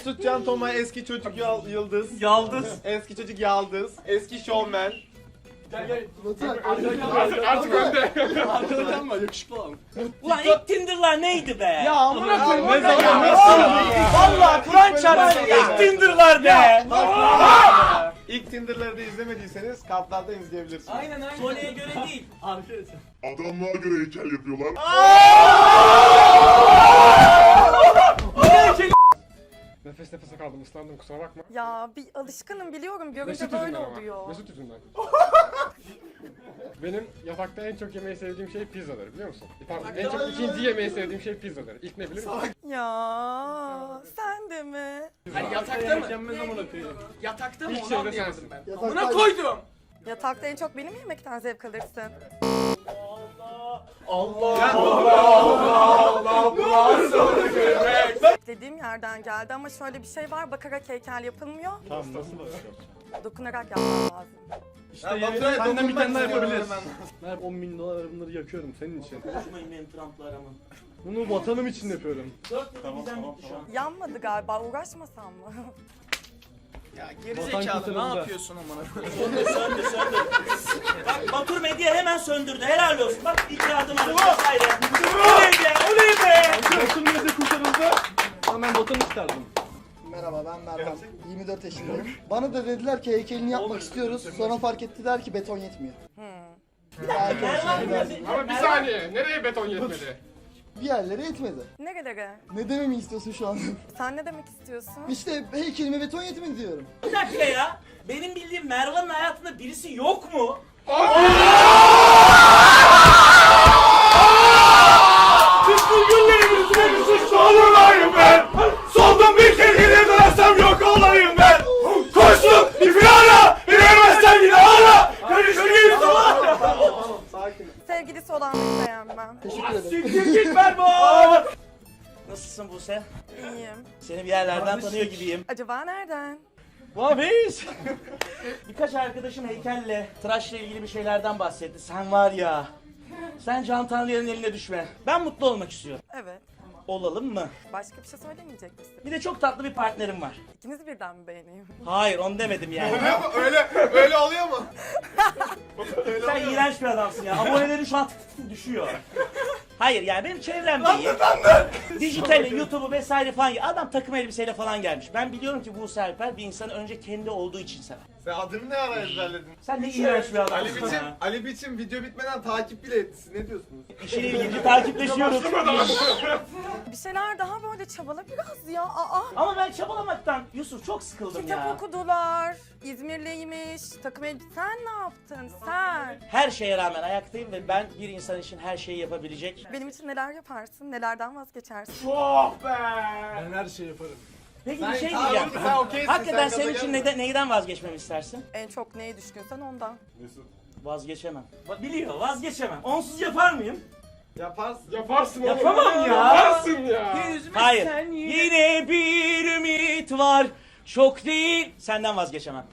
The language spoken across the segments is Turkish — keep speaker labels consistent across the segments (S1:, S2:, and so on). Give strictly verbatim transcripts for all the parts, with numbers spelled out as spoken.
S1: Can Tomay eski çocuk yal- yıldız.
S2: Yaldız.
S1: Eski çocuk yaldız. Eski şovmen.
S3: Gel gel.
S1: Artık, artık önde.
S3: Arkadaşım var yakışıklı olan.
S2: Ulan ilk Tinder'lar neydi be?
S3: Ya amına koyayım.
S1: Ne zaman?
S2: Vallahi Kur'an çarpsın ilk Tinder'lar be.
S1: İlk Tinder'ları da izlemediyseniz kartlarda izleyebilirsiniz.
S3: Aynen aynen.
S2: Sole'ye göre değil.
S3: Arkadaşlar.
S4: Adamlığa göre heykel yapıyorlar.
S5: Nefes nefese kaldım, ıslandım, kusura bakma.
S6: Ya bir alışkınım biliyorum. Görünce
S5: Mesut
S6: böyle
S5: yüzünden ama.
S6: oluyor.
S5: Mesut yüzünden. Benim yatakta en çok yemeyi sevdiğim şey pizzadır, biliyor musun? Pardon, en çok ikinci yemeyi sevdiğim şey pizzadır. İlk ne bilir misin?
S6: Ya sen de mi?
S3: Hani yatakta mı? Yatakta mı?
S5: İlk
S3: Onu
S5: şey de
S3: anlayamadım
S5: sensin.
S3: ben. Amına koydum.
S6: Yatakta en çok benim yemekten zevk alırsın. Dediğim yerden geldi ama şöyle bir şey var, bakarak heykel yapılmıyor.
S1: Tamam nasıl bakıyorsun?
S6: Dokunarak yapmam lazım.
S3: İşte benden bir tane daha yapabiliriz.
S7: Ben on bin dolar bunları yakıyorum senin için.
S2: Konuşmayın benim Trump'la aramı.
S7: Bunu vatanım için yapıyorum.
S2: Dört yılda bizden bitti şu an.
S6: Yanmadı galiba, uğraşmasam mı?
S3: Ya
S7: Vatan
S3: gerizekalı ne
S7: kurtarıldı.
S3: yapıyorsun amına koyayım?
S2: Söndür söndür söndür. Bak Batur Medya hemen söndürdü. Helal olsun. Bak iki adım adım vesaire. Oley be oley be.
S7: Vatanım nerede kurtarıldı? Ama ben vatanı isterdim.
S8: Merhaba ben Mervan. yirmi dört yaşındayım. Bana da dediler ki heykelini yapmak istiyoruz. Sonra fark ettiler ki beton yetmiyor.
S6: Hmm.
S8: Belki
S2: Mervan
S8: biraz
S5: Ama bir saniye, nereye beton yetmedi?
S8: bir yerlere yetmedi.
S6: Nerelere?
S8: Ne dememi istiyorsun şu an?
S6: Sen ne demek istiyorsun?
S8: İşte heykelime beton yetmedi diyorum.
S2: Bir dakika ya. Benim bildiğim Mervan'ın hayatında birisi yok mu?
S1: Bütün günlerimizde bir suçlu olayım ben. Soldum bir kere yine dönersem yok olayım ben. Koştum bir firara. Bilemezsem yine hala. Karıştırayım sana.
S8: Sakin.
S6: Sevgilisi olanları beğenmem.
S8: Teşekkür ederim.
S1: Siktir git Mervan.
S2: Nasılsın Buse?
S6: İyiyim.
S2: Seni bir yerlerden tanıyor gibiyim.
S6: Acaba nereden?
S2: Vabiş! Birkaç arkadaşım heykelle, tıraşla ilgili bir şeylerden bahsetti. Sen var ya, sen Can Tanrı'nın eline düşme. Ben mutlu olmak istiyorum.
S6: Evet.
S2: Olalım mı?
S6: Başka bir şey söylemeyecek misin?
S2: Bir de çok tatlı bir partnerim var.
S6: İkinizi birden mi beğeneyim?
S2: Hayır, onu demedim yani.
S1: Öyle öyle oluyor mu?
S2: Sen iğrenç bir adamsın ya. Aboneleri şu an tık tık tık düşüyor. Hayır yani benim çevremde iyi. Dijitali, YouTube'u vesaire falan. Adam takım elbiseyle falan gelmiş. Ben biliyorum ki Buse Alper bir insanı önce kendi olduğu için sever.
S1: Sen adını ne ara ezberledin?
S2: Sen ne iğrenç bir
S1: Ali
S2: adamsın
S1: biçim,
S2: ya.
S1: Ali biçim video bitmeden takip bile etti. Siz ne diyorsunuz?
S2: İşiyle ilgili takipleşiyoruz.
S6: Bir şeyler daha böyle çabala biraz ya. Aa.
S2: Ama ben çabalamaktan Yusuf çok sıkıldım
S6: Kitap
S2: ya.
S6: okudular. İzmirliymiş. Takım elbise. Sen ne yaptın? Sen.
S2: Her şeye rağmen ayaktayım ve ben bir insan için her şeyi yapabilecek.
S6: Benim için neler yaparsın? Nelerden vazgeçersin?
S1: Oh be!
S7: Ben her şeyi yaparım.
S2: Peki
S1: Sen-
S2: bir şey
S1: Tamam,
S2: diyeceğim.
S1: sen okeysin,
S2: Hakikaten
S1: sen
S2: senin
S1: gaza
S2: için
S1: gelme.
S2: neden, neyden vazgeçmemi istersin?
S6: En çok neye düşkünsen ondan.
S2: Vazgeçemem. Ba- Biliyor, vazgeçemem. Onsuz yapar mıyım?
S1: Yaparsın.
S5: Yaparsın oğlum.
S2: Yapamam ya.
S5: Yaparsın ya.
S2: Hayır. Yine bir ümit var. Çok değil. Senden vazgeçemem.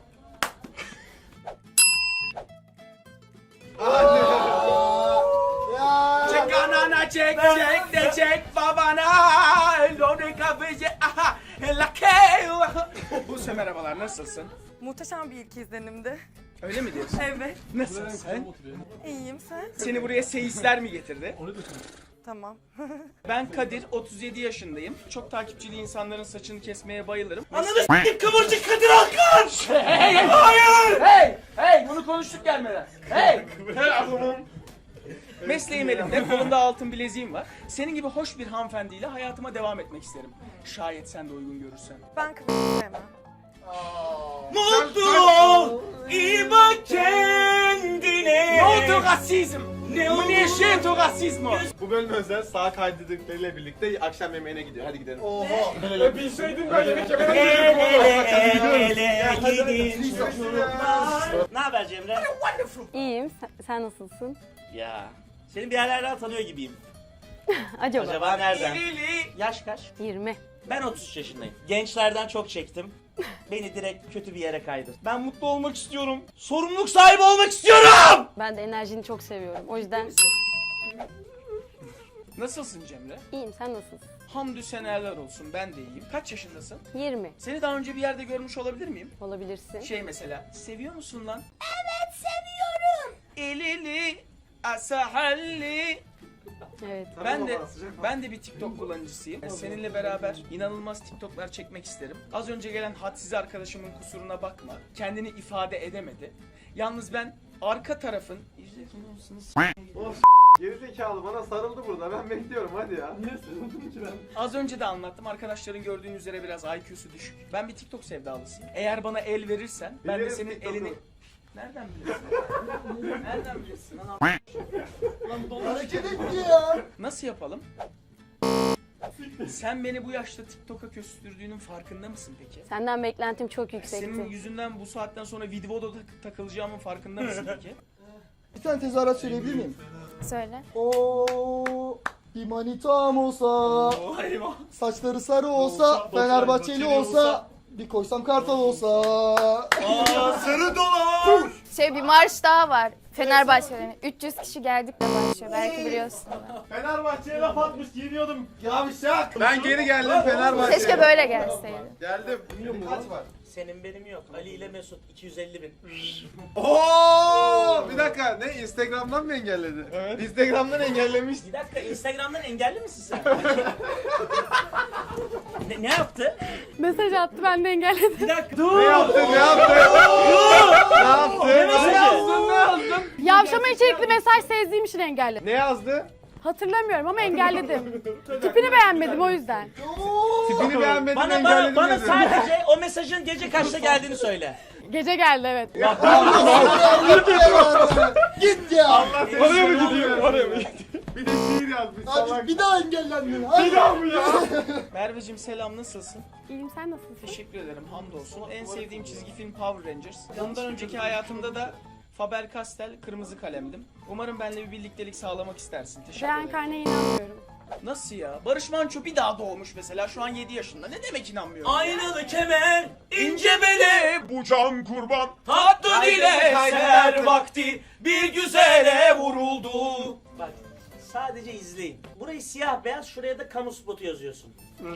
S8: Ya.
S3: Çek anana çek çek de çek babana. Lone kafece aha. Lake. Buse merhabalar nasılsın?
S6: Muhteşem bir ilk izlenimdi.
S3: Öyle mi diyorsun?
S6: Evet.
S3: Nasılsın sen?
S6: İyiyim sen.
S3: Seni buraya seyisler mi getirdi?
S6: Tamam.
S3: Ben Kadir, otuz yedi yaşındayım. Çok takipçili insanların saçını kesmeye bayılırım.
S2: Ananı s**tim kıvırcık Kadir Alkan!
S3: Hey, hey, hayır! Hey, hey, bunu konuştuk gelmeden. Hey! Mesleğim elimde, kolumda altın bileziğim var. Senin gibi hoş bir hanımefendiyle hayatıma devam etmek isterim. Şayet sen de uygun görürsen.
S6: Ben kıvırcık sevmem.
S2: Mutlu ol, iyi bak kendine.
S3: Ne oldu rasizm? Ne oldu? Ne şey to rasizmo?
S1: Bu bölüm özel sağ kaydedekleriyle birlikte akşam yemeğine gidiyor. Hadi gidelim.
S5: Ya bilseydin böyle bir kere
S2: El ele el ele gidin çocuklar. Ne haber Cemre?
S9: İyiyim. Sen, sen nasılsın?
S2: Ya, seni bir yerlerden tanıyor gibiyim.
S9: Acaba?
S2: Acaba nereden? Yaş kaç?
S9: yirmi.
S2: Ben otuz üç yaşındayım. Gençlerden çok çektim. Beni direkt kötü bir yere kaydır. Ben mutlu olmak istiyorum. Sorumluluk sahibi olmak istiyorum.
S9: Ben de enerjini çok seviyorum. O yüzden
S3: Nasılsın Cemre?
S9: iyiyim. Sen nasılsın?
S3: Hamdü seneler olsun, ben de iyiyim. Kaç yaşındasın?
S9: yirmi.
S3: Seni daha önce bir yerde görmüş olabilir miyim?
S9: Olabilirsin.
S3: Şey mesela, seviyor musun lan? Evet, seviyorum. Elili, asahalli.
S9: Evet.
S3: Ben de ben de bir TikTok kullanıcısıyım. Seninle beraber inanılmaz TikTok'lar çekmek isterim. Az önce gelen hadsiz arkadaşımın kusuruna bakma. Kendini ifade edemedi. Yalnız ben arka tarafın
S7: Gerizekalı bana sarıldı burada. Ben bekliyorum hadi ya. Niye sarıldın ki ben?
S3: Az önce de anlattım. Arkadaşların gördüğün üzere biraz I Q'su düşük. Ben bir TikTok sevdalısıyım. Eğer bana el verirsen ben de
S7: Bilirim
S3: senin
S7: TikTok'u.
S3: elini... Nereden biliyorsun? Nereden biliyorsun lan?
S8: Hareket etti ya.
S3: Nasıl yapalım? Sen beni bu yaşta TikTok'a küstürdüğünün farkında mısın peki?
S9: Senden beklentim çok yüksekti.
S3: Senin yüzünden bu saatten sonra videoda tak- takılacağımın farkında mısın peki?
S8: Bir tane tezahürat söyleyebilir miyim?
S9: Söyle.
S8: Oo, bir manitam olsa, saçları sarı olsa, Fenerbahçeli olsa, bir koysam kartal olsa.
S1: Sarı dolar.
S10: Şey bir marş daha var. Fenerbahçe'nin. üç yüz kişi geldik de başlıyor. Belki biliyorsun.
S1: Fenerbahçe'ye laf atmış giyiniyordum. Yavşak.
S7: Ben geri geldim Fenerbahçe'ye.
S10: Keşke böyle gelseydi.
S7: Geldim. Kaç var?
S2: Senin benim yok. Ali ile Mesut iki yüz elli bin.
S7: Oo! Bir dakika ne Instagram'dan mı engelledi? Evet. Instagram'dan engellemiş.
S2: Bir dakika Instagram'dan engelli misin sen? ne, ne yaptı?
S9: Mesaj attı ben de engelledim.
S2: Bir dakika dur.
S7: Ne yaptı? Ne yaptı? Ne yaptı?
S2: Ne mesajı?
S7: Ne yazdın?
S9: Yavşama içerikli mesaj sezdiğim için engelledim.
S7: Ne yazdı?
S9: Hatırlamıyorum ama engelledim. Tipini beğenmedim o yüzden.
S7: Tipini beğenmedim
S2: Bana,
S7: engelledim
S2: bana, bana
S7: dedi.
S2: sadece o mesajın gece kaçta geldiğini söyle.
S9: Gece geldi evet.
S8: Git ya.
S7: Oraya mı gidiyor? Oraya mı gidiyor? Bir de şiir yazmış
S8: Hadi
S7: salak.
S8: bir daha engellendin. Hadi.
S3: Merveciğim selam, nasılsın?
S9: İyiyim sen nasılsın?
S3: Teşekkür ederim, hamdolsun. En sevdiğim çizgi film Power Rangers. Bundan önceki hayatımda da Faber-Castell kırmızı kalemdim. Umarım benimle bir birliktelik sağlamak istersin. Teşekkür ederim.
S9: Reenkarne'ye inanmıyorum.
S3: Nasıl ya? Barış Manço bir daha doğmuş mesela, şu an yedi yaşında. Ne demek inanmıyorum?
S2: Aynalı kemer, ince bele,
S4: Bu can kurban.
S2: tatlı dile
S7: kaydı,
S2: seher
S7: kaydı.
S2: vakti bir güzele vuruldu. Bak sadece izleyin. Burayı siyah beyaz, şuraya da kamu spotu yazıyorsun.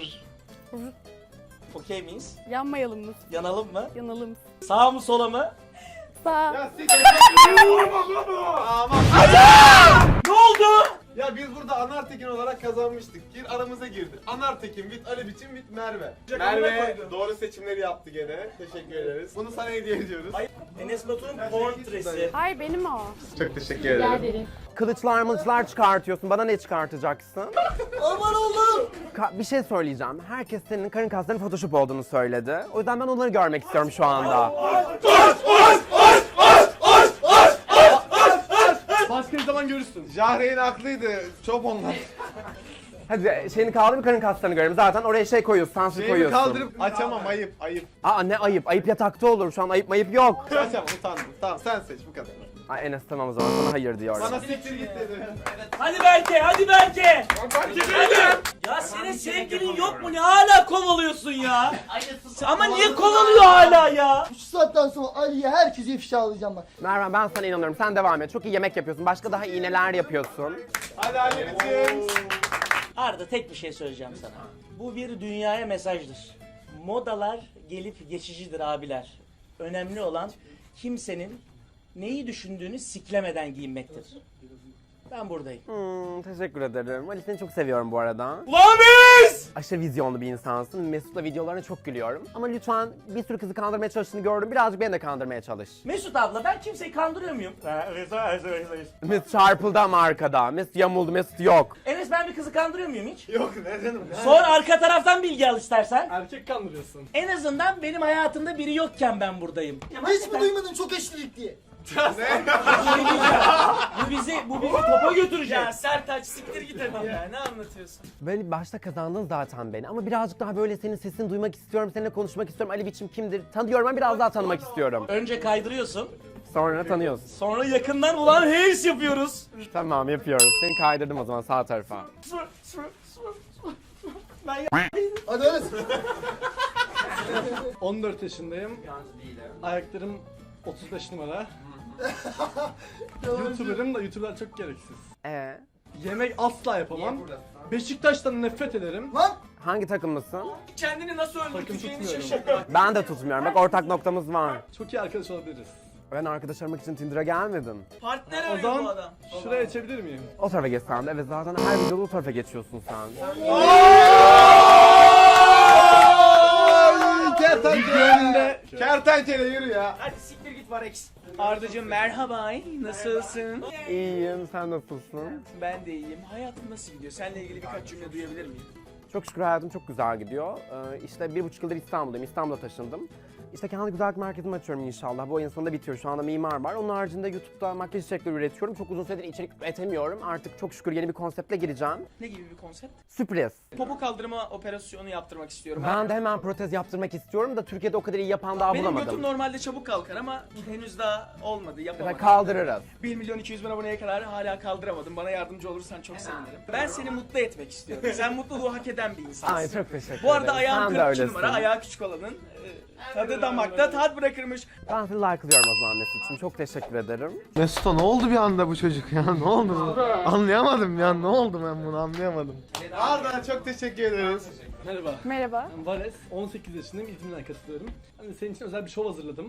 S2: Okey miyiz?
S9: Yanmayalım mı?
S2: Yanalım mı?
S9: Yanalım.
S2: Sağ mı sola mı?
S9: Sağ.
S7: Ya siktir. Aman.
S2: Ne oldu?
S7: Ya biz burada Anartekin olarak kazanmıştık. Gir aramıza girdi. Anartekin, bit Ali biçim, bit Merve. Merve doğru seçimleri yaptı gene. Teşekkür ederiz. Bunu sana hediye ediyoruz.
S2: Enes Batur'un portresi.
S9: Hayır benim o.
S7: Çok teşekkür ederim.
S9: ederim.
S11: Kılıçlar mılıçlar çıkartıyorsun. Bana ne çıkartacaksın?
S8: Aman Allah'ım.
S11: Ka- bir şey söyleyeceğim. Herkes senin karın kaslarının Photoshop olduğunu söyledi. O yüzden ben onları görmek istiyorum şu anda.
S7: Başka bir zaman görürsün. Jahreyn haklıydı. Çok onlar.
S11: Hadi şeyini kaldır, karın kaslarını görelim. Zaten oraya şey koyuyorsun, sansür
S7: Şeyimi
S11: koyuyorsun.
S7: kaldırıp açamam, ayıp ayıp.
S11: Aa ne ayıp. Ayıp yatakta olur. Şu an ayıp mayıp yok.
S7: Açamam, utandım. Tamam sen seç bu kadar.
S11: Ay Enes tamam o zaman sana hayır diyorum.
S7: Bana siktir git dedi.
S2: Hadi Berke, hadi Berke. Ya senin sevgilin yok mu? Ne hala kovalıyorsun ya? Ama niye kovalıyor hala ya?
S8: Şu saatten sonra Ali'ye herkese ifşa alacağım bak.
S11: Merve ben sana inanıyorum. Sen devam et. Çok iyi yemek yapıyorsun. Başka daha iyi neler yapıyorsun.
S7: Hadi Ali biçim.
S2: Arda tek bir şey söyleyeceğim sana. Bu bir dünyaya mesajdır. Modalar gelip geçicidir abiler. Önemli olan kimsenin neyi düşündüğünü siklemeden giyinmektir. Ben buradayım.
S11: Hmm, teşekkür ederim. Ali seni çok seviyorum bu arada.
S2: Ulan biz!
S11: Aşırı vizyonlu bir insansın. Mesut'la videolarına çok gülüyorum. Ama lütfen bir sürü kızı kandırmaya çalıştığını gördüm. Birazcık beni de kandırmaya çalış.
S2: Mesut abla ben kimseyi kandırıyor muyum?
S11: Mesut çarpıldı ama arkada. Mesut yamuldu. Mesut yok.
S2: Enes ben bir kızı kandırıyor muyum hiç?
S7: Yok ne canım.
S2: Sor arka taraftan bilgi al istersen.
S7: Erkek kandırıyorsun.
S2: En azından benim hayatımda biri yokken ben buradayım.
S8: Hiç mi duymadın çok eşlilik diye?
S2: Bu bizi, bu bizi topa götürecek.
S3: Ya Sertaç siktir git hadi ya, ne anlatıyorsun?
S11: Böyle başta kazandın zaten beni. Ama birazcık daha böyle senin sesini duymak istiyorum. Seninle konuşmak istiyorum. Ali biçim kimdir? Tanıyorum ama biraz daha tanımak istiyorum.
S2: Önce kaydırıyorsun.
S11: Sonra tanıyorsun.
S2: Sonra yakından ulan heys yapıyoruz.
S11: Tamam yapıyoruz. Seni kaydırdım o zaman sağ tarafa.
S8: Hadi öyle.
S7: on dört yaşındayım. Ayaklarım otuz beş numara. YouTuber'ım da YouTuber'lar çok gereksiz.
S11: Ee,
S5: Yemek asla yapamam. Beşiktaş'tan nefret ederim.
S8: Lan
S11: Hangi takımlısın?
S3: Kendini nasıl öldürteceğini
S5: tutmuyorum.
S3: şaşırdı.
S11: Ben de tutmuyorum. Bak ortak noktamız var.
S5: Çok iyi arkadaş olabiliriz.
S11: Ben arkadaş aramak için Tinder'a gelmedim.
S3: Partner
S5: O
S3: arıyor bu
S5: zaman
S3: adam.
S5: şuraya geçebilir miyim?
S11: O tarafa geç sen de. Evet zaten her videoda o tarafa geçiyorsun sen.
S7: Kertenkele. Kertenkele yürü ya.
S3: Hadi siktir git Varex. Ardacığım merhaba, nasılsın?
S11: İyiyim, sen nasılsın?
S3: Ben de iyiyim. Hayatın nasıl gidiyor? Seninle ilgili birkaç cümle duyabilir miyim?
S11: Çok şükür hayatım çok güzel gidiyor. Ee, işte bir buçuk yıldır İstanbul'dayım. İstanbul'a taşındım. İşte kendi güzellik merkezimi açıyorum inşallah. Bu ayın sonunda bitiyor. Şu anda mimar var. Onun haricinde YouTube'da makyaj içerikleri üretiyorum. Çok uzun süredir içerik üretemiyorum. Artık çok şükür yeni bir konseptle gireceğim.
S3: Ne gibi bir konsept?
S11: Sürpriz.
S3: Popo kaldırma operasyonu yaptırmak istiyorum.
S11: Ben de hemen protez yaptırmak istiyorum da Türkiye'de o kadar iyi yapan daha
S3: Benim
S11: bulamadım.
S3: götüm normalde çabuk kalkar ama henüz daha olmadı,
S11: Mesela
S3: yapamadım.
S11: kaldırırız.
S3: bir milyon iki yüz bin aboneye kadar hala kaldıramadım. Bana yardımcı olursan çok sevinirim. Ben seni mutlu etmek istiyorum. Sen mutluluğu hak eden bir insansın.
S11: Ay çok teşekkür ederim.
S3: Bu arada ayağım
S11: Sen de
S3: kırk iki
S11: öylesin.
S3: numara, ayağı küçük olanın e, tadı damakta tat bırakırmış.
S11: Ben seni like'lıyorum o zaman Mesut'cum. Çok teşekkür ederim.
S7: Mesut'a ne oldu bir anda bu çocuk ya? Ne oldu? Anlayamadım ya. Ne oldu ben bunu anlayamadım. Arda çok teşekkür ederiz.
S5: Merhaba.
S9: Merhaba.
S5: Ben Vares, on sekiz yaşındayım, İzmir'den katılıyorum. Hani senin için özel bir şov hazırladım.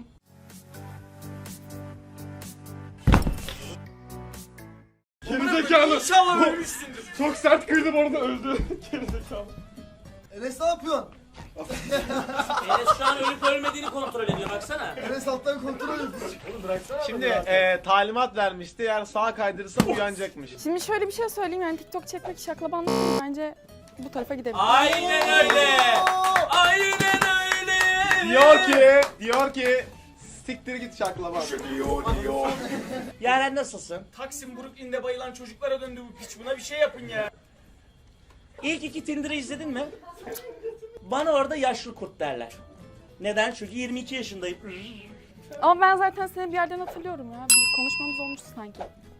S1: Gerizekalı.
S3: İnşallah ölmüşsündür.
S1: Çok sert kırdım orada öldü. Gerizekalı.
S8: Enes ne yapıyorsun?
S2: Enes şu an ölüp ölmediğini kontrol ediyor baksana.
S8: Enes alttan kontrol ediyor.
S7: Şimdi e, talimat vermişti. Eğer sağa kaydırırsam uyanacakmış.
S9: Şimdi şöyle bir şey söyleyeyim yani TikTok çekmek şaklabanlık değil. Bence bu tarafa gidelim.
S2: Aynen öyle. Aynen öyle.
S7: Diyor ki, diyor ki siktir git şaklaba.
S2: Yaren nasılsın?
S3: Taksim Brooklyn'de bayılan çocuklara döndü bu piç. Buna bir şey yapın ya.
S2: İlk iki Tinder'ı izledin mi? Bana orada yaşlı kurt derler. Neden? Çünkü yirmi iki yaşındayım.
S9: Ama ben zaten seni bir yerden hatırlıyorum ya. Bir konuşmamız olmuştu sanki.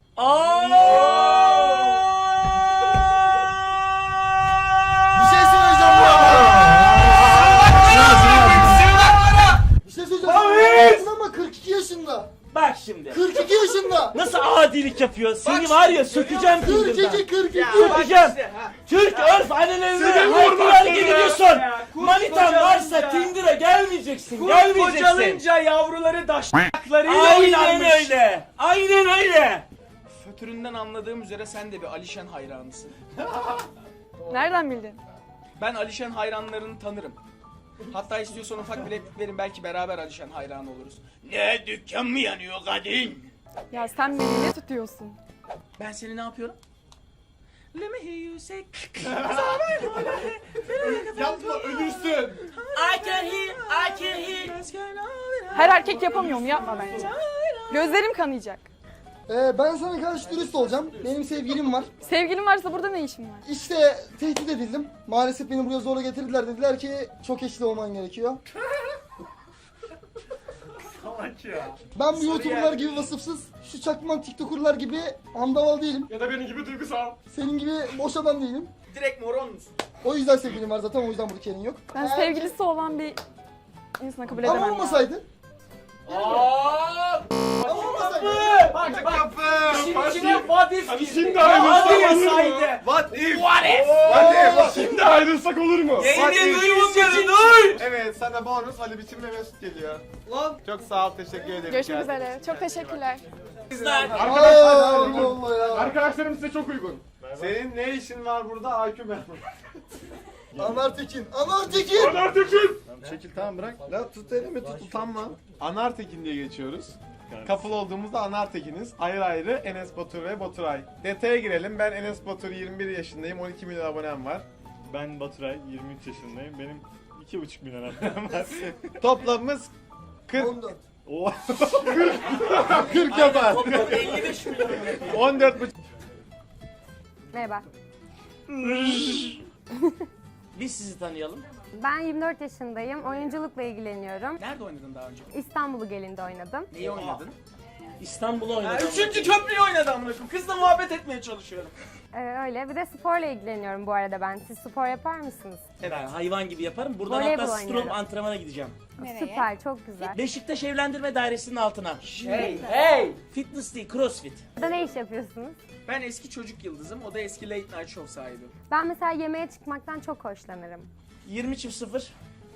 S8: Bir şey söyleyeceğim bu Bir şey söyleyeceğim. Ama kırk iki yaşında.
S2: Bak şimdi.
S8: kırk iki yaşında.
S2: Nasıl adilik yapıyor? Seni var ya sökeceğim
S8: kırk
S2: Tinder'dan.
S8: iki kırk iki.
S2: Sökeceğim. Türk örf annelerini hayırlar gidiyorsun. Manitan varsa Tinder'a gelmeyeceksin. Gelmeyeceksin.
S3: Kocalınca yavruları daşaklarıyla
S2: Aynen
S3: oynarmış.
S2: öyle. Aynen öyle.
S3: Fötüründen anladığım üzere sen de bir Alişen hayranısın.
S9: Nereden bildin?
S3: Ben Alişen hayranlarını tanırım. Hatta istiyorsan ufak bir replik verin, belki beraber Alişen hayranı oluruz. Ne dükkan mı yanıyor kadın?
S9: Ya sen beni ne tutuyorsun?
S3: Ben seni ne yapıyorum? Let me hear you say.
S7: Yapma ölürsün.
S2: I can hear, I can hear.
S9: Her erkek yapamıyor mu? Yapma bence. Gözlerim kanayacak.
S8: Ee, ben sana karşı dürüst olacağım. Benim sevgilim var.
S9: Sevgilin varsa burada ne işin var?
S8: İşte tehdit edildim. Maalesef beni buraya zorla getirdiler. Dediler ki çok eşli olman gerekiyor. Ben bu YouTuber'lar gibi vasıfsız, şu çakman TikToker'lar gibi andaval değilim.
S1: Ya da benim gibi duygusal.
S8: Senin gibi boş adam değilim.
S3: Direkt moron musun?
S8: O yüzden sevgilim var zaten, o yüzden burada Kerin yok.
S9: Ben
S8: Eğer-
S9: sevgilisi olan bir insana kabul edemem.
S8: Ama
S9: ya.
S8: olmasaydı. Ama olmasaydı.
S3: Bak bak.
S7: Kapı.
S3: Şimdi içine what if
S1: Hadi
S3: girdi.
S1: şimdi
S3: Ya
S1: ayrılsak
S3: hadi
S1: olur mu?
S3: yasaydı.
S7: What if?
S3: What if?
S7: What if?
S1: Şimdi ayrılsak olur mu?
S3: Yayını duyunca duy.
S7: Evet, sana bonus Ali Biçim ve Mesut geliyor. Lan. Çok sağ ol, teşekkür ederim.
S9: Görüşmek üzere. Çok teşekkürler.
S2: Kızlar.
S8: Aa, Allah Allah ya.
S1: Arkadaşlarım size çok uygun.
S7: Senin ne işin var burada? A Q ben.
S8: Anar Tekin, Anar Tekin.
S1: Anar Tekin.
S7: Çekil tamam bırak. La tut elimi tut utanma. Anartekin diye geçiyoruz. Couple olduğumuzda Anartekin'iz. Ayrı ayrı Enes Batur ve Baturay. Detaya girelim. Ben Enes Batur, yirmi bir yaşındayım. on iki milyon abonem var.
S1: Ben Baturay, yirmi üç yaşındayım. Benim iki buçuk milyon abonem var.
S7: Toplamımız kırk.
S8: on dört.
S1: Oo.
S7: kırk yapar.
S2: elli beş milyon.
S7: on dört buçuk.
S10: Merhaba.
S2: Biz sizi tanıyalım.
S10: Ben yirmi dört yaşındayım. Oyunculukla ilgileniyorum.
S3: Nerede oynadın daha önce?
S10: İstanbul Gelin'de oynadım.
S3: Neyi oynadın?
S2: İstanbul'u
S3: Ha,
S2: oynadı.
S3: üçüncü köprüyü oynadı amına koyayım. Kızla muhabbet etmeye çalışıyorum.
S10: Ee, öyle. Bir de sporla ilgileniyorum bu arada ben. Siz spor yapar mısınız?
S2: Ben hayvan gibi yaparım. Buradan
S10: Voleybol
S2: hatta strom
S10: oynuyorum.
S2: antrenmana gideceğim.
S10: Süper, çok güzel.
S2: Beşiktaş Evlendirme Dairesi'nin altına.
S3: Hey hey!
S2: Fitness değil, crossfit.
S10: Burada ne iş yapıyorsunuz?
S3: Ben eski çocuk yıldızım, o da eski late night show sahibi.
S10: Ben mesela yemeğe çıkmaktan çok hoşlanırım.
S2: yirmi çift sıfır.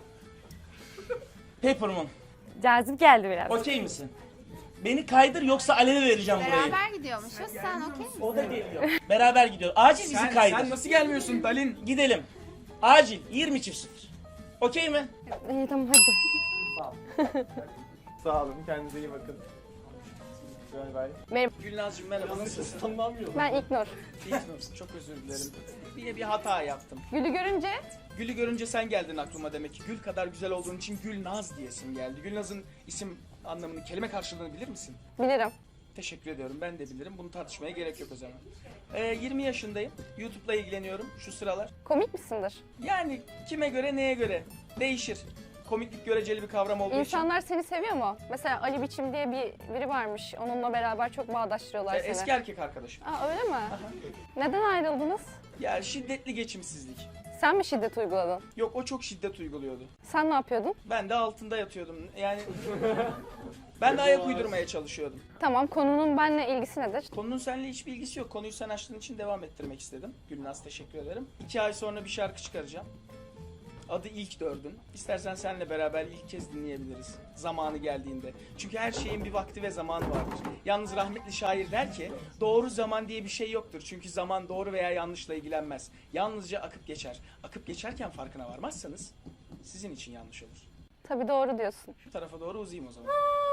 S2: Paper Moon.
S10: Cazip geldi biraz.
S2: Okey misin? Beni kaydır yoksa Alev'e vereceğim burayı.
S10: gidiyormuşuz. Sen okey misin?
S2: O da geliyor. Beraber gidiyor. Acil bizi
S3: Sen,
S2: kaydır.
S3: sen nasıl gelmiyorsun Dalin?
S2: Gidelim. Acil. yirmi çift sıfır. Okey mi?
S10: İyi tamam hadi.
S7: Sağ olun, kendinize iyi bakın. Bay bay.
S3: Gülnazcığım merhaba, nasılsın?
S10: Ben İlknur.
S3: İlknur'sun, çok özür dilerim. Yine bir hata yaptım.
S10: Gül'ü görünce
S3: Gül'ü görünce sen geldin aklıma demek ki. Gül kadar güzel olduğun için Gülnaz diyesim geldi. Gülnaz'ın isim anlamını, kelime karşılığını bilir misin?
S10: bilirim.
S3: Teşekkür ediyorum, ben de bilirim. Bunu tartışmaya gerek yok o zaman. Ee, yirmi yaşındayım. YouTube'la ilgileniyorum şu sıralar.
S10: Komik misindir?
S3: Yani kime göre, neye göre? Değişir. Komiklik göreceli bir kavram olduğu için.
S10: İnsanlar seni seviyor mu? Mesela Ali Biçim diye bir biri varmış. Onunla beraber çok bağdaştırıyorlar
S3: Ee,
S10: seni.
S3: eski erkek arkadaşım.
S10: Aa öyle mi? Neden ayrıldınız?
S3: Ya şiddetli geçimsizlik.
S10: Sen mi şiddet uyguladın?
S3: Yok, o çok şiddet uyguluyordu.
S10: Sen ne yapıyordun?
S3: Ben de altında yatıyordum. Yani ben de ayak uydurmaya çalışıyordum.
S10: Tamam, konunun benimle ilgisi nedir?
S3: Konunun seninle hiçbir ilgisi yok. Konuyu sen açtığın için devam ettirmek istedim. Gülnaz, teşekkür ederim. İki ay sonra bir şarkı çıkaracağım. Adı İlk Dördün. İstersen seninle beraber ilk kez dinleyebiliriz. Zamanı geldiğinde. Çünkü her şeyin bir vakti ve zamanı vardır. Yalnız rahmetli şair der ki, doğru zaman diye bir şey yoktur. Çünkü zaman doğru veya yanlışla ilgilenmez. Yalnızca akıp geçer. Akıp geçerken farkına varmazsanız sizin için yanlış olur.
S10: Tabii doğru diyorsun.
S3: Şu tarafa doğru uzayayım o zaman.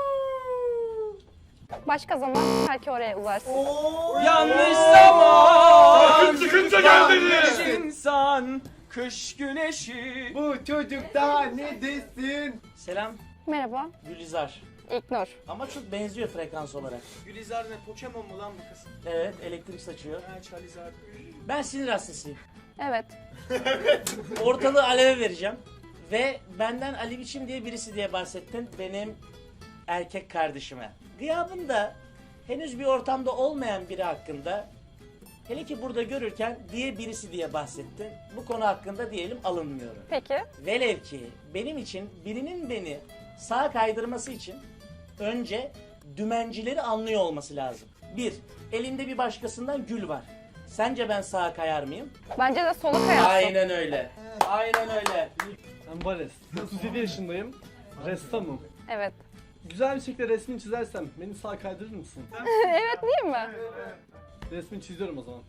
S10: Başka zaman belki oraya uzarsın.
S3: Yanlış zaman.
S1: Sakın çıkınca gel dedi.
S3: İnsan kış güneşi.
S7: Bu çocuk daha ne desin?
S2: Selam.
S10: Merhaba,
S2: Gülizar.
S10: İlknur.
S2: Ama çok benziyor frekans olarak.
S3: Gülizar ne? Pokemon mu lan bu kız?
S2: Evet, elektrik saçıyor.
S3: Ha, Charizard.
S2: Ben sinir hastasıyım.
S10: Evet.
S2: Ortalığı Alev'e vereceğim. Ve benden Ali Biçim diye birisi diye bahsettin. Benim erkek kardeşime. Gıyabında henüz bir ortamda olmayan biri hakkında, hele ki burada görürken diye birisi diye bahsettin. Bu konu hakkında diyelim alınmıyorum.
S10: Peki.
S2: Velev ki benim için birinin beni sağa kaydırması için önce dümencileri anlıyor olması lazım. Bir, elinde bir başkasından gül var. Sence ben sağa kayar mıyım?
S10: Bence de sola kayarsın.
S2: Aynen öyle. Aynen öyle.
S12: Ben Bares. otuz yedi yaşındayım. Ressamım.
S10: Evet.
S12: Güzel bir şekilde resmini çizersem beni sağ kaydırır mısın?
S10: Evet değil mi?
S12: Resmini çiziyorum o zaman.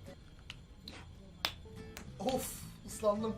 S8: Of ıslandım.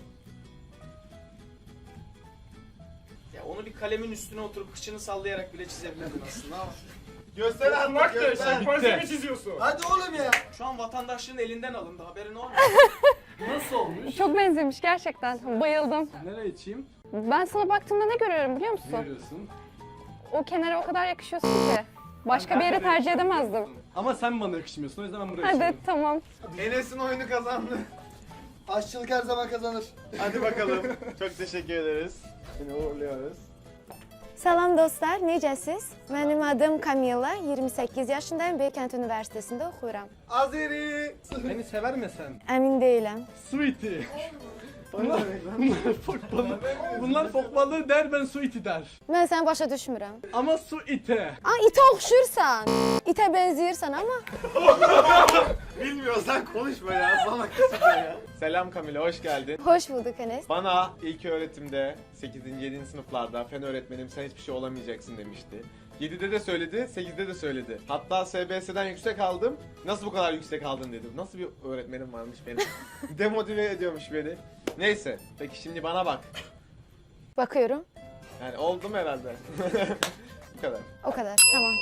S3: Ya onu bir kalemin üstüne oturup kıçını sallayarak bile çizebilirdin aslında ama.
S7: Göster artık, göster.
S1: Malzeme çiziyorsun.
S8: Hadi oğlum ya.
S3: Şu an vatandaşlığın elinden alındı, haberin olmuyor.
S12: Nasıl olmuş?
S10: Çok benzemiş gerçekten. Bayıldım.
S12: Nereye içeyim?
S10: Ben sana baktığımda ne görüyorum biliyor
S12: Ne
S10: musun?
S12: görüyorsun?
S10: O kenara o kadar yakışıyorsun ki. Başka bir yere tercih edemezdim.
S12: Ama sen bana yakışmıyorsun o yüzden ben buraya
S10: Hadi
S12: içiyorum.
S10: tamam.
S7: Enes'in oyunu kazandı.
S8: Aşçılık her zaman kazanır.
S7: Hadi bakalım. Çok teşekkür ederiz. Seni uğurluyoruz.
S10: Salam dostlar, necəsiz? Mənim adım Kamila, yirmi səkkiz yaşındayım, Beykent Üniversitesində oxuyuram.
S7: Azeri.
S12: Beni sever mi sen?
S10: Əmin deyiləm.
S12: Sweetie. Bunlar, bunlar fok balığı. Bunlar fok balığı der, ben su iti der.
S10: Mən səni başa düşmürəm.
S12: Ama su ite.
S10: Aa, itə oxşursan. İtə bənzəyirsən amma.
S7: Bilmiyorsan konuşma ya. Sana kısık ya. Selam Kamila, hoş geldin.
S10: Xoş bulduk Enes.
S7: Bana ilk öğretimde sekizinci. yedinci sınıflarda fen öğretmenim sen hiçbir şey olamayacaksın demişti. yedide de söyledi, sekizde de söyledi. Hatta S B S'den yüksek aldım. Nasıl bu kadar yüksek aldın dedim. Nasıl bir öğretmenim varmış benim. Demotive ediyormuş beni. Neyse, peki şimdi bana bak.
S10: Bakıyorum.
S7: Yani oldum herhalde. Bu kadar.
S10: O kadar. Tamam.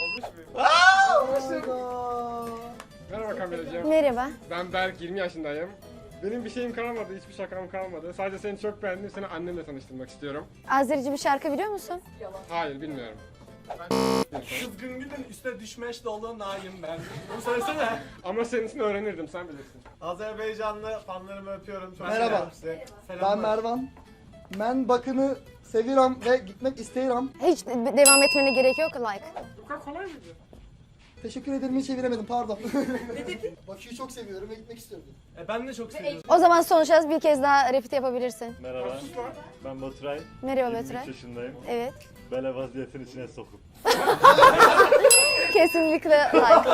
S5: Merhaba Kamilacığım.
S10: Merhaba.
S5: Ben Berk, yirmi yaşındayım. Benim bir şeyim kalmadı, hiçbir şakam kalmadı. Sadece seni çok beğendim, seni annemle tanıştırmak istiyorum.
S10: Azerici bir şarkı biliyor musun?
S5: Hayır, bilmiyorum.
S12: Kızgın gülün üstüne düşmeş dolu naim ben. Bunu söylesene.
S5: Ama senin için öğrenirdim, sen bilirsin.
S7: Azerbaycanlı fanlarımı öpüyorum. Çok
S8: Merhaba.
S7: seviyorum sizi.
S8: Ben Mervan. Ben bakını seviyorum ve gitmek isteyirim.
S10: Hiç de- devam etmene gerek yok like.
S5: Bu kadar kolay mıydı?
S8: Teşekkür ederim hiç çeviremedim pardon. Bakü'yü çok seviyorum ve gitmek istiyorum.
S12: E, ben de çok seviyorum.
S10: O zaman son şans bir kez daha repeat yapabilirsin.
S1: Merhaba. Ben Baturay.
S10: Merhaba
S1: yirmi üç
S10: Baturay.
S1: yaşındayım.
S10: Evet.
S1: Bele vaziyetin içine sokup.
S10: Kesinlikle like.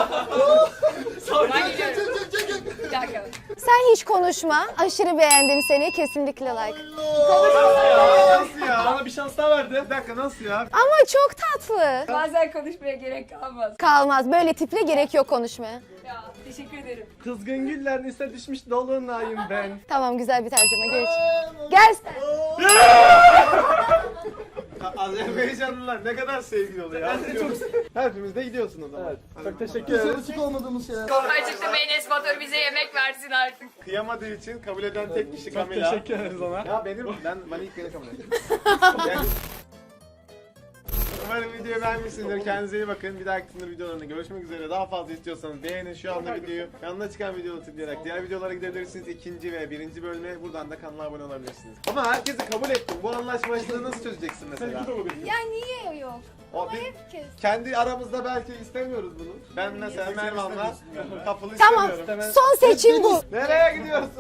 S10: Sen hiç konuşma. Aşırı beğendim seni. Kesinlikle like.
S7: Nasıl ya?
S12: Bana bir şans daha verdi.
S7: Bir dakika nasıl ya?
S10: Ama çok tatlı.
S9: Bazen konuşmaya gerek kalmaz.
S10: Kalmaz. Böyle tiple gerek yok konuşmaya.
S9: Ya teşekkür ederim.
S12: Kızgın güller ise düşmüş dolunayım ben.
S10: Tamam güzel bir tercüme. Geç. Gel sen.
S7: Azerbaycanlılar ne kadar sevgili oluyor ya. Hepimiz de gidiyorsun o zaman.
S12: Çok teşekkür
S8: Biz
S12: ederim.
S8: alışık olmadığımız şeyler.
S9: Gerçekten Enes Batur bize yemek versin artık.
S7: Kıyamadığı için kabul eden tek kişi
S12: Çok
S7: Kamila.
S12: teşekkür ederiz ona.
S7: Ya benim, ben, ben ilk beni kabul ettim. Yani- Umarım videoyu beğenmişsinizdir. Kendinize iyi bakın. Bir dahaki Tinder videolarında görüşmek üzere. Daha fazla istiyorsanız beğenin şu anda videoyu. Yanına çıkan videoları tıklayarak diğer videolara gidebilirsiniz. İkinci ve birinci bölüme buradan da kanala abone olabilirsiniz. Ama herkesi kabul ettim. Bu anlaşmazlığı nasıl çözeceksin mesela?
S10: Ya niye yok?
S7: O biz
S10: Herkes.
S7: kendi aramızda belki istemiyoruz bunu. Ben mesela Mervan'la kapılı
S10: Tamam.
S7: istemiyorum.
S10: Son seçim bu.
S7: Nereye gidiyorsun?